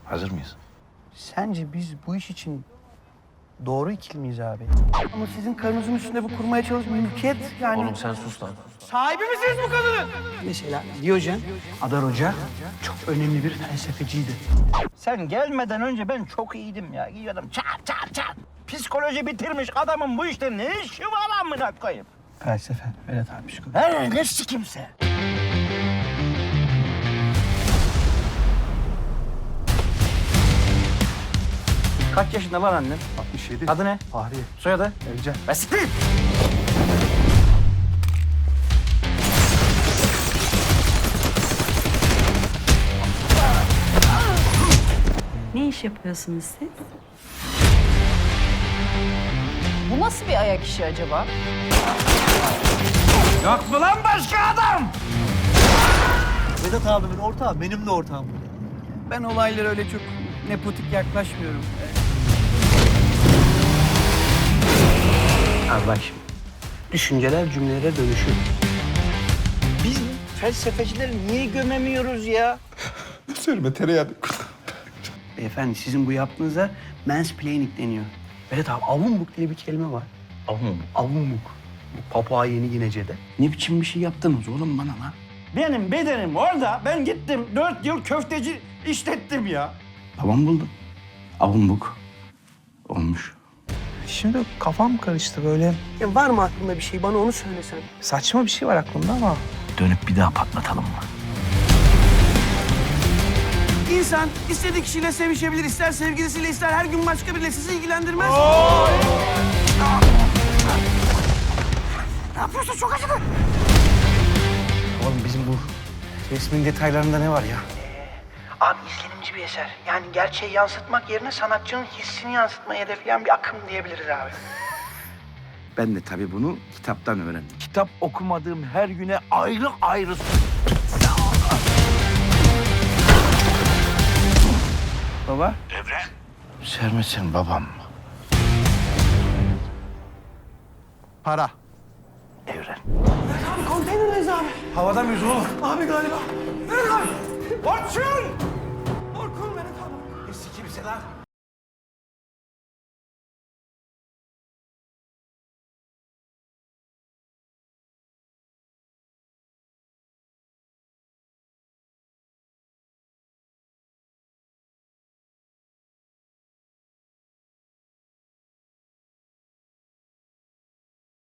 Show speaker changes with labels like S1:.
S1: Hazır mıyız?
S2: Sence biz bu iş için doğru ikili miyiz abi? Ama sizin karınızın üstünde bu kurmaya çalışmayın. Mülkiyet yani.
S1: Oğlum sen sus lan.
S2: Sahibi misiniz bu kadının? Mesela Diyojen, Adar Hoca çok önemli bir felsefeciydi. Sen gelmeden önce ben çok iyiydim ya. Gidiyordum çat çat çat. Psikoloji bitirmiş adamın bu işte ne işi var amına koyayım? Felsefe, Vedat abi psikoloji. Ne sikimse. Kaç yaşında lan annen?
S3: 67.
S2: Adı ne?
S3: Fahriye.
S2: Soyadı?
S3: Evcen.
S2: Basit.
S4: Ne iş yapıyorsunuz siz?
S5: Bu nasıl bir ayak işi acaba?
S2: Yok mu lan başka adam?
S3: Vedat abimin ortağı benim de ortağım.
S2: Ben olaylara öyle çok nepotik yaklaşmıyorum. Abi bak şimdi. Düşünceler cümlelere dönüşür. Biz felsefecileri niye gömemiyoruz ya?
S3: Söyleme tereyağı.
S2: Beyefendi sizin bu yaptığınıza mansplaining deniyor. Evet abi avumbuk diye bir kelime var.
S1: Oğlum
S2: Avumbuk. Bu Papua Yeni Ginece'de. Ne biçim bir şey yaptınız oğlum bana lan? Benim bedenim orada. Ben gittim 4 yıl köfteci işlettim ya. Babam buldu. Avumbuk olmuş.
S6: Şimdi kafam karıştı böyle.
S2: Ya var mı aklında bir şey? Bana onu söylesen.
S6: Saçma bir şey var aklımda ama.
S2: Dönüp bir daha patlatalım mı? İnsan istediği kişiyle sevişebilir, ister sevgilisiyle, ister her gün başka biriyle sizi ilgilendirmez. Ne yapıyorsun? Çok acıdı. Oğlum bizim bu resmin detaylarında ne var ya? Abi izlenimci bir eser. Yani gerçeği yansıtmak yerine sanatçının hissini yansıtmayı hedefleyen bir akım diyebiliriz abi. Ben de tabii bunu kitaptan öğrendim. Kitap okumadığım her güne ayrı ayrı... Baba?
S1: Evren. Sermetsin babam.
S3: Para.
S1: Evren.
S2: Konteynerdeyiz abi.
S3: Havada mıyız oğlum?
S2: Abi galiba. Evet abi. Orçun!